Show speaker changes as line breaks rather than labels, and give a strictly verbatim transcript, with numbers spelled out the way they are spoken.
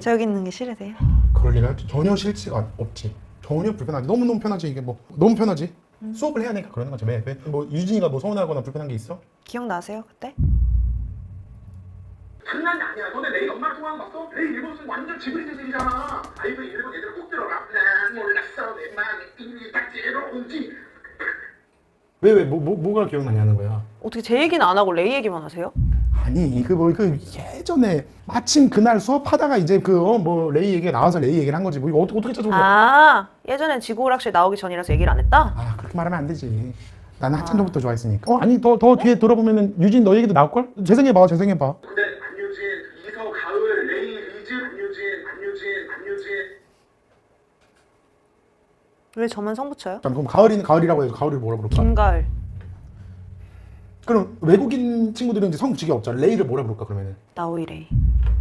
저 여기 있는 게 싫으세요?
그럴 리가 전혀 싫지가 없지. 전혀 불편하지. 너무너무 편하지. 이게 뭐 너무 편하지.
음.
수업을 해야 되니까 그러는 거지. 왜? 왜? 뭐 유진이가 뭐 서운하거나 불편한 게 있어?
기억나세요 그때?
장난이 아니야. 너네 내일 엄마랑 통화한 거 봤어? 내일 일본 쓰는 완전 지브리 재질이잖아. 아이고 일본 애들 꼭 들어라. 난 몰랐어. 내 마음이 이미 딱지러운지.
왜 왜 뭐 뭐, 뭐가 기억나냐는 거야.
어떻게 제 얘기는 안 하고 레이 얘기만 하세요?
아니 그 뭐 그 예전에 마침 그날 수업하다가 이제 그 뭐 레이 얘기가 나와서 레이 얘기를 한 거지. 뭐 이거 어떻게 어떻게 찾아본 거야?
아 예전엔 지구오락실 나오기 전이라서 얘기를 안 했다?
아 그렇게 말하면 안 되지. 나는 한참 전부터 좋아했으니까. 어 아니 더 더 뒤에 돌아보면은 유진 너 얘기도 나올 걸? 재생해봐 재생해봐.
근데 안유진, 이서, 가을, 레이, 리즈, 안유진, 안유진, 안유진.
왜 저만 성 붙여요?
잠깐 그럼 가을이는 가을이라고 해서 가을을 뭐라 부를까?
김가을.
그럼 외국인 친구들은 이제 성 붙이기 없잖아. 레이를 뭐라 부를까 그러면은?
나오이 레이.